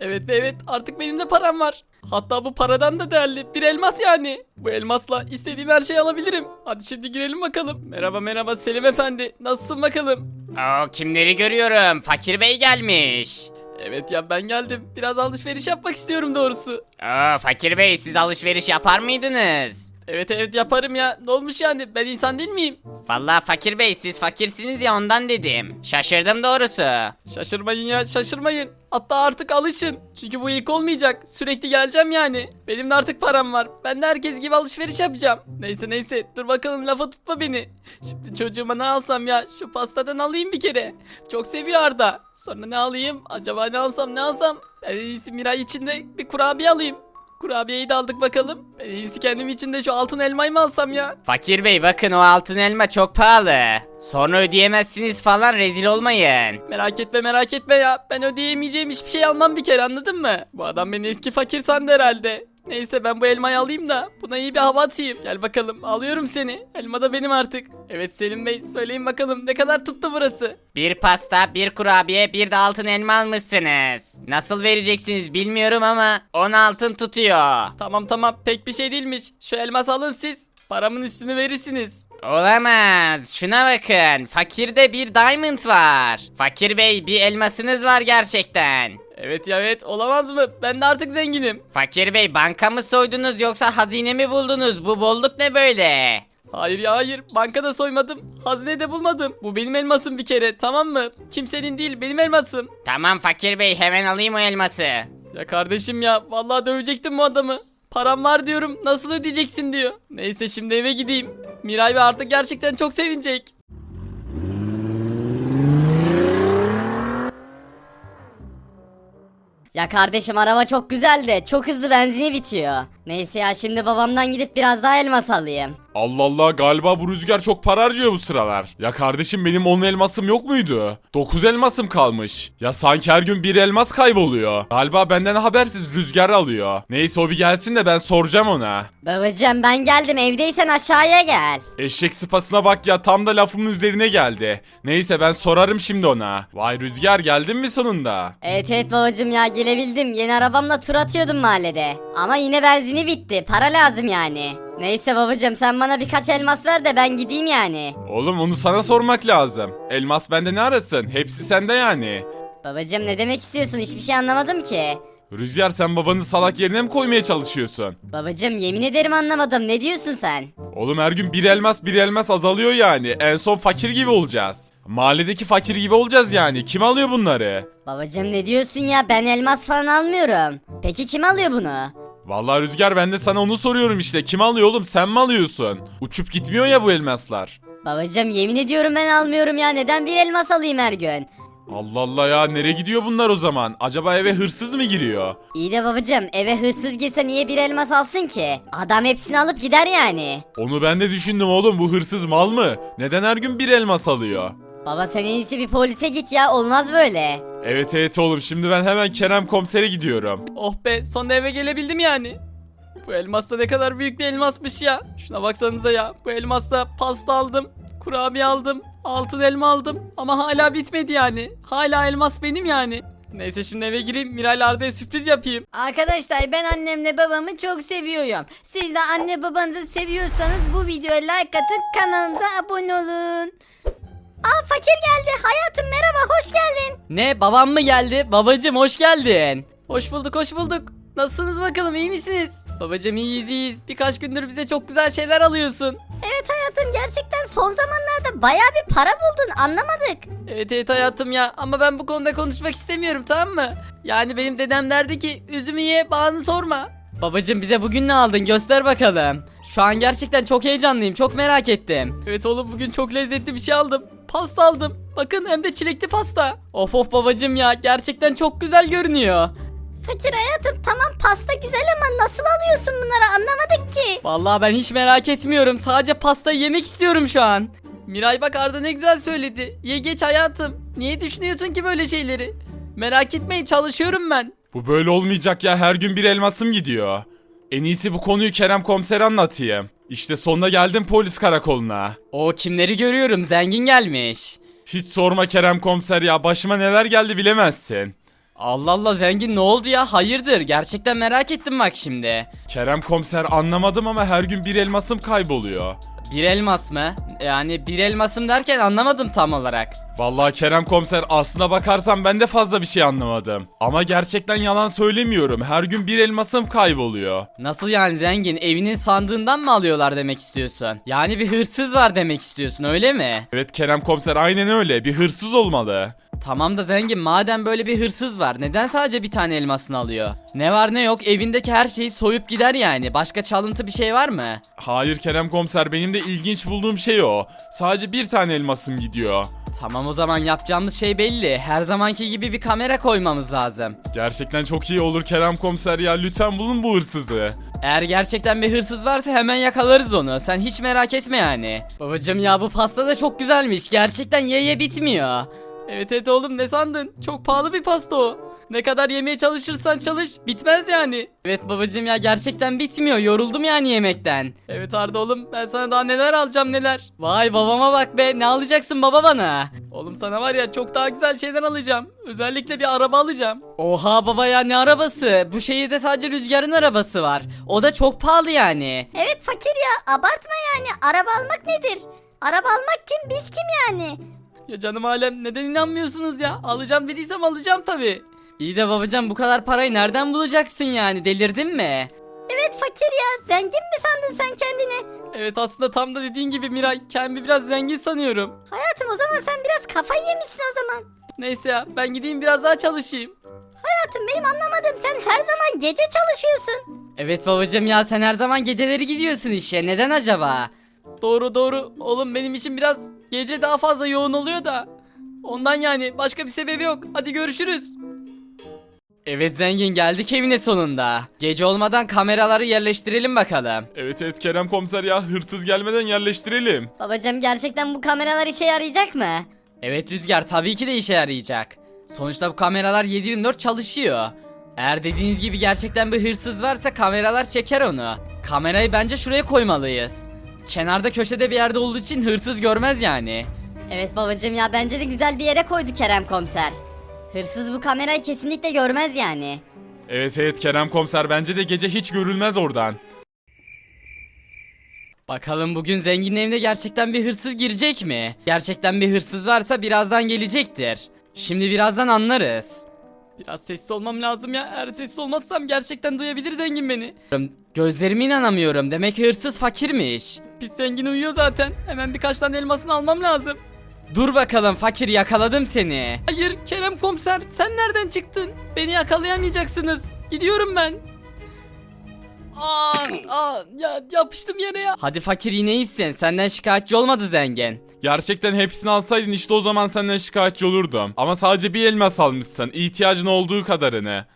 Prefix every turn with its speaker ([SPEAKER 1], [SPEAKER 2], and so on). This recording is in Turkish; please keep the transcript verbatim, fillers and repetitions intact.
[SPEAKER 1] Evet evet, artık benim de param var. Hatta bu paradan da değerli bir elmas yani. Bu elmasla istediğim her şeyi alabilirim. Hadi şimdi girelim bakalım. Merhaba merhaba Selim efendi, nasılsın bakalım?
[SPEAKER 2] Oo, kimleri görüyorum? Fakir Bey gelmiş.
[SPEAKER 1] Evet ya, ben geldim. Biraz alışveriş yapmak istiyorum doğrusu.
[SPEAKER 2] Oo, Fakir Bey, siz alışveriş yapar mıydınız?
[SPEAKER 1] Evet evet, yaparım ya. Ne olmuş yani, ben insan değil miyim?
[SPEAKER 2] Vallahi Fakir Bey, siz fakirsiniz ya, ondan dedim. Şaşırdım doğrusu.
[SPEAKER 1] Şaşırmayın ya, şaşırmayın. Hatta artık alışın. Çünkü bu ilk olmayacak. Sürekli geleceğim yani. Benim de artık param var. Ben de herkes gibi alışveriş yapacağım. Neyse neyse, dur bakalım, lafa tutma beni. Şimdi çocuğuma ne alsam ya? Şu pastadan alayım bir kere. Çok seviyor Arda. Sonra ne alayım? Acaba ne alsam ne alsam? Ben en iyisi Miray için de bir kurabiye alayım. Kurabiyeyi de aldık bakalım. Ben en iyisi kendim için de şu altın elmayı mı alsam ya?
[SPEAKER 2] Fakir Bey, bakın o altın elma çok pahalı. Sonra ödeyemezsiniz falan, rezil olmayın.
[SPEAKER 1] Merak etme merak etme ya. Ben ödeyemeyeceğim hiçbir şey almam bir kere, anladın mı? Bu adam beni eski fakir sandı herhalde. Neyse, ben bu elmayı alayım da buna iyi bir hava atayım. Gel bakalım, alıyorum seni. Elma da benim artık. Evet Selim Bey, söyleyin bakalım ne kadar tuttu burası?
[SPEAKER 2] Bir pasta, bir kurabiye, bir de altın elma almışsınız. Nasıl vereceksiniz bilmiyorum ama on altın tutuyor.
[SPEAKER 1] Tamam tamam, pek bir şey değilmiş. Şu elması alın siz. Paramın üstünü verirsiniz.
[SPEAKER 2] Olamaz. Şuna bakın. Fakirde bir diamond var. Fakir Bey, bir elmasınız var gerçekten.
[SPEAKER 1] Evet ya, evet, olamaz mı? Ben de artık zenginim.
[SPEAKER 2] Fakir Bey, banka mı soydunuz yoksa hazine mi buldunuz? Bu bolluk ne böyle?
[SPEAKER 1] Hayır ya hayır, bankada soymadım. Hazine de bulmadım. Bu benim elmasım bir kere, tamam mı? Kimsenin değil, benim elmasım.
[SPEAKER 2] Tamam Fakir Bey, hemen alayım o elması.
[SPEAKER 1] Ya kardeşim ya, vallahi dövecektim bu adamı. Param var diyorum, nasıl ödeyeceksin diyor. Neyse, şimdi eve gideyim. Miray ve artık gerçekten çok sevinecek.
[SPEAKER 3] Ya kardeşim, araba çok güzel de çok hızlı benzini bitiyor. Neyse ya, şimdi babamdan gidip biraz daha elmas alayım.
[SPEAKER 4] Allah Allah, galiba bu Rüzgar çok para harcıyor bu sıralar. Ya kardeşim, benim on elmasım yok muydu? dokuz elmasım kalmış. Ya sanki her gün bir elmas kayboluyor. Galiba benden habersiz Rüzgar alıyor. Neyse, o bir gelsin de ben soracağım ona.
[SPEAKER 3] Babacım, ben geldim, evdeysen aşağıya gel.
[SPEAKER 4] Eşek sıpasına bak ya, tam da lafımın üzerine geldi. Neyse, ben sorarım şimdi ona. Vay Rüzgar, geldin mi sonunda?
[SPEAKER 3] Evet evet babacım ya, gelebildim. Yeni arabamla tur atıyordum mahallede. Ama yine benzini bitti, para lazım yani. Neyse babacım, sen bana birkaç elmas ver de ben gideyim yani.
[SPEAKER 4] Oğlum, onu sana sormak lazım. Elmas bende ne arasın? Hepsi sende yani.
[SPEAKER 3] Babacım, ne demek istiyorsun, hiçbir şey anlamadım ki.
[SPEAKER 4] Rüzgar, sen babanı salak yerine mi koymaya çalışıyorsun?
[SPEAKER 3] Babacım, yemin ederim anlamadım, ne diyorsun sen?
[SPEAKER 4] Oğlum, her gün bir elmas bir elmas azalıyor yani. En son fakir gibi olacağız. Mahalledeki fakir gibi olacağız yani. Kim alıyor bunları?
[SPEAKER 3] Babacım, ne diyorsun ya, ben elmas falan almıyorum. Peki kim alıyor bunu?
[SPEAKER 4] Vallahi Rüzgar, ben de sana onu soruyorum işte. Kim alıyor oğlum, sen mi alıyorsun? Uçup gitmiyor ya bu elmaslar.
[SPEAKER 3] Babacım, yemin ediyorum ben almıyorum ya, neden bir elmas alayım her gün?
[SPEAKER 4] Allah Allah ya, nereye gidiyor bunlar o zaman? Acaba eve hırsız mı giriyor?
[SPEAKER 3] İyi de babacım, eve hırsız girse niye bir elmas alsın ki? Adam hepsini alıp gider yani.
[SPEAKER 4] Onu ben de düşündüm oğlum, bu hırsız mal mı? Neden her gün bir elmas alıyor?
[SPEAKER 3] Baba, sen en iyisi bir polise git ya, olmaz böyle.
[SPEAKER 4] Evet evet oğlum, şimdi ben hemen Kerem komisere gidiyorum.
[SPEAKER 1] Oh be, sonunda eve gelebildim yani. Bu elmas da ne kadar büyük bir elmasmış ya. Şuna baksanıza ya. Bu elmasla pasta aldım. Kurabiye aldım. Altın elma aldım. Ama hala bitmedi yani. Hala elmas benim yani. Neyse, şimdi eve gireyim. Miray Arda'ya sürpriz yapayım.
[SPEAKER 5] Arkadaşlar, ben annemle babamı çok seviyorum. Siz de anne babanızı seviyorsanız bu videoya like atın, kanalımıza abone olun.
[SPEAKER 3] Aa, fakir geldi. Hayatım, merhaba, hoş geldin.
[SPEAKER 1] Ne, babam mı geldi? Babacım, hoş geldin. Hoş bulduk hoş bulduk. Nasılsınız bakalım, iyi misiniz? Babacım, iyiyiz iyiyiz. Birkaç gündür bize çok güzel şeyler alıyorsun.
[SPEAKER 3] Evet hayatım, gerçekten son zamanlarda baya bir para buldun, anlamadık.
[SPEAKER 1] Evet evet hayatım ya, ama ben bu konuda konuşmak istemiyorum, tamam mı? Yani benim dedem derdi ki üzümü ye, bağını sorma. Babacım, bize bugün ne aldın, göster bakalım. Şu an gerçekten çok heyecanlıyım, çok merak ettim. Evet oğlum, bugün çok lezzetli bir şey aldım. Pasta aldım. Bakın, hem de çilekli pasta. Of of babacım ya, gerçekten çok güzel görünüyor.
[SPEAKER 3] Fakir hayatım, tamam pasta güzel ama nasıl alıyorsun bunları, anlamadık ki.
[SPEAKER 1] Vallahi ben hiç merak etmiyorum. Sadece pastayı yemek istiyorum şu an. Miray bak, Arda ne güzel söyledi. Ye geç hayatım. Niye düşünüyorsun ki böyle şeyleri? Merak etmeyin, çalışıyorum ben.
[SPEAKER 4] Bu böyle olmayacak ya, her gün bir elmasım gidiyor. En iyisi bu konuyu Kerem komisere anlatayım. İşte sonuna geldim polis karakoluna.
[SPEAKER 1] O kimleri görüyorum, zengin gelmiş.
[SPEAKER 4] Hiç sorma Kerem komiser ya, başıma neler geldi bilemezsin.
[SPEAKER 1] Allah Allah zengin ne oldu ya? Hayırdır? Gerçekten merak ettim bak şimdi.
[SPEAKER 4] Kerem komiser anlamadım ama her gün bir elmasım kayboluyor.
[SPEAKER 1] Bir elmas mı? Yani bir elmasım derken anlamadım tam olarak.
[SPEAKER 4] Vallahi Kerem komiser aslına bakarsan ben de fazla bir şey anlamadım. Ama gerçekten yalan söylemiyorum. Her gün bir elmasım kayboluyor.
[SPEAKER 1] Nasıl yani zengin? Evinin sandığından mı alıyorlar demek istiyorsun? Yani bir hırsız var demek istiyorsun öyle mi?
[SPEAKER 4] Evet Kerem komiser aynen öyle. Bir hırsız olmalı.
[SPEAKER 1] Tamam da zengin madem böyle bir hırsız var neden sadece bir tane elmasını alıyor? Ne var ne yok evindeki her şeyi soyup gider yani. Başka çalıntı bir şey var mı?
[SPEAKER 4] Hayır Kerem komiser benim de ilginç bulduğum şey o. Sadece bir tane elmasım gidiyor.
[SPEAKER 1] Tamam o zaman yapacağımız şey belli. Her zamanki gibi bir kamera koymamız lazım.
[SPEAKER 4] Gerçekten çok iyi olur Kerem komiser ya. Lütfen bulun bu hırsızı.
[SPEAKER 1] Eğer gerçekten bir hırsız varsa hemen yakalarız onu. Sen hiç merak etme yani. Babacım ya bu pasta da çok güzelmiş. Gerçekten ye ye bitmiyor. Evet evet oğlum ne sandın? Çok pahalı bir pasta o. Ne kadar yemeye çalışırsan çalış bitmez yani. Evet babacım ya gerçekten bitmiyor. Yoruldum yani yemekten. Evet Arda oğlum ben sana daha neler alacağım neler. Vay babama bak be ne alacaksın baba bana? Oğlum sana var ya çok daha güzel şeyler alacağım. Özellikle bir araba alacağım. Oha baba ya ne arabası? Bu şehirde sadece Rüzgar'ın arabası var. O da çok pahalı yani.
[SPEAKER 5] Evet fakir ya abartma yani. Araba almak nedir? Araba almak kim? Biz kim yani?
[SPEAKER 1] Ya canım alem neden inanmıyorsunuz ya? Alacağım dediysem alacağım tabi. İyi de babacan bu kadar parayı nereden bulacaksın yani delirdin mi?
[SPEAKER 5] Evet fakir ya. Zengin mi sandın sen kendini?
[SPEAKER 1] Evet aslında tam da dediğin gibi Miray kendimi biraz zengin sanıyorum.
[SPEAKER 5] Hayatım o zaman sen biraz kafayı yemişsin o zaman.
[SPEAKER 1] Neyse ya ben gideyim biraz daha çalışayım.
[SPEAKER 5] Hayatım benim anlamadığım sen her zaman gece çalışıyorsun.
[SPEAKER 1] Evet babacım ya sen her zaman geceleri gidiyorsun işe neden acaba? Doğru doğru oğlum benim için biraz gece daha fazla yoğun oluyor da. Ondan yani başka bir sebebi yok hadi görüşürüz. Evet zengin geldik evine sonunda. Gece olmadan kameraları yerleştirelim bakalım.
[SPEAKER 4] Evet evet Kerem komiser ya hırsız gelmeden yerleştirelim.
[SPEAKER 3] Babacım gerçekten bu kameralar işe yarayacak mı?
[SPEAKER 1] Evet Rüzgar tabii ki de işe yarayacak. Sonuçta bu kameralar yedi yirmi dört çalışıyor. Eğer dediğiniz gibi gerçekten bir hırsız varsa kameralar çeker onu. Kamerayı bence şuraya koymalıyız. Kenarda köşede bir yerde olduğu için hırsız görmez yani.
[SPEAKER 3] Evet babacım ya bence de güzel bir yere koydu Kerem komiser. Hırsız bu kamerayı kesinlikle görmez yani.
[SPEAKER 4] Evet evet Kerem komiser bence de gece hiç görülmez oradan.
[SPEAKER 1] Bakalım bugün zenginin evine gerçekten bir hırsız girecek mi? Gerçekten bir hırsız varsa birazdan gelecektir. Şimdi birazdan anlarız. Biraz sessiz olmam lazım ya. Eğer sessiz olmazsam gerçekten duyabilir zengin beni. Gözlerime inanamıyorum. Demek ki hırsız fakirmiş. Pis zengin uyuyor zaten. Hemen birkaç tane elmasını almam lazım. Dur bakalım fakir yakaladım seni. Hayır Kerem komiser sen nereden çıktın? Beni yakalayamayacaksınız. Gidiyorum ben. Aa, aa, ya yapıştım yere ya. Hadi fakir yine iyisin. Senden şikayetçi olmadı zengin.
[SPEAKER 4] Gerçekten hepsini alsaydın işte o zaman senden şikayetçi olurdum. Ama sadece bir elmas almışsın. İhtiyacın olduğu kadarını.